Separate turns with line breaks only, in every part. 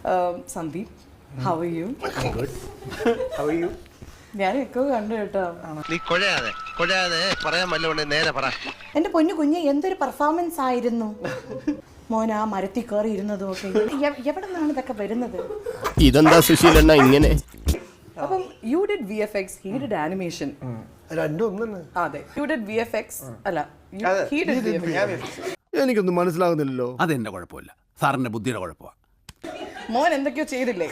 Sandeep, how are you?
I'm good. How are you?
ഞാൻ എക്കോ കണ്ടു കേട്ടോ.
നീ കൊഴയാതെ പറയാൻ വല്ലതുകൊണ്ട് നേരെ പറ.
എന്റെ പൊന്നു കുഞ്ഞ് എന്തൊരു പെർഫോമൻസ് ആയിരുന്നു. മോൻ ആ മരത്തിൽ കയറി ഇരുന്നതും ഒക്കെ എവിടെ നിന്നാണ് ഇതൊക്കെ വരുന്നത്?
ഇതെന്താ സുശീലണ്ണ ഇങ്ങനെ?
അപ്പം you did VFX, he did animation.
രണ്ടും ഒന്നല്ലേ?
അതെ, യു ഡിഡ് VFX അല്ല, he did VFX.
എനിക്കൊന്നും മനസ്സിലാകുന്നില്ലല്ലോ.
അതെന്റെ കുഴപ്പമില്ല, സാറിന്റെ ബുദ്ധിയുടെ കുഴപ്പമാണ്.
മോൻ എന്തൊക്കെയോ ചെയ്തില്ലേ?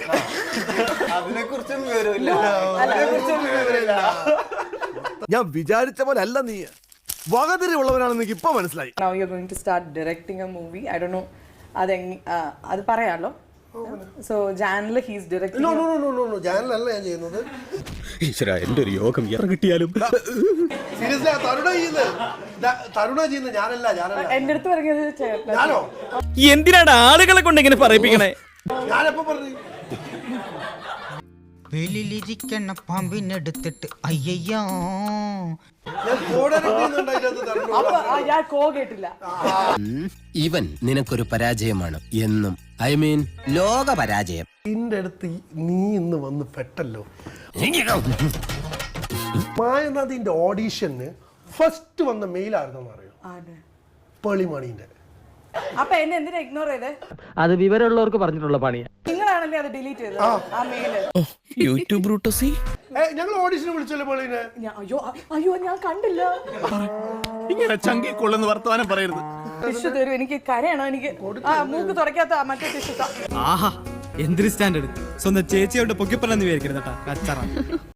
ഞാൻ വിചാരിച്ച പോലെ അല്ല നീ. വകതിരിവുള്ളവനാണെന്ന് എനിക്ക് ഇപ്പൊ മനസ്സിലായി.
Now you're going to start directing a movie. I don't know. അത് പറയാലോ. So Janil, he's directing.
No. ജാനലല്ല ഞാൻ ചെയ്യുന്നത്.
ഈശ്വര, എന്റെ ഒരു യോഗം എത്ര കിട്ടിയാലും.
സീരിയസ്ലി തരുണ ചെയ്യുന്നത് ഞാനല്ല.
എന്റെ അടുത്ത് പറഞ്ഞത്
ഞാനോ?
എന്തിനാണ് ആളുകളെ കൊണ്ട് ഇങ്ങനെ പറയിപ്പിക്കണേ?
ഞാനെപ്പോ പറഞ്ഞു?
വെളിയിലിരിക്കണ പാമ്പിനെടുത്തിട്ട് അയ്യോ
ഞാൻ
ഞാൻ കോ കേട്ടില്ല.
ഇവൻ നിനക്കൊരു പരാജയമാണ് എന്നും. ഐ മീൻ ലോക പരാജയം.
നിന്റെ അടുത്ത് നീ ഇന്ന് വന്ന് പെട്ടല്ലോ. മായനാഥിന്റെ ഓഡീഷന് ഫസ്റ്റ് വന്ന മെയിലായിരുന്നെന്ന് അറിയോ? പേളിമണിന്റെ.
അപ്പൊ എന്നെ എന്തിനാ ഇഗ്നോർ ചെയ്തേ?
അത് വിവരമുള്ളവർക്ക് പറഞ്ഞിട്ടുള്ള പണിയാ.
നിങ്ങളാണല്ലേ അത് ഡിലീറ്റ് ചെയ്തത് ആ മെയില്?
യൂട്യൂബ് ബ്രൂട്ടസി.
ഞങ്ങൾ ഓഡീഷന് വിളിച്ചല്ലോ പേളിനെ.
അയ്യോ ഞാൻ കണ്ടില്ല.
ഇങ്ങനെ ചങ്കി കൊള്ളുന്ന വർത്തമാനം പറയരുത്.
ടിഷ്യൂ തരൂ, എനിക്ക് കരയണോ? എനിക്ക് മൂക്ക് തുറക്കാത്ത മറ്റേ ടിഷ്യൂ.
ആഹാ, എന്തൊരു സ്റ്റാൻഡേർഡ്. സ്വന്തം ചേച്ചിയോട് പൊക്കിപ്പറന്ന് വിചാരിക്കരുത് കേട്ടാ.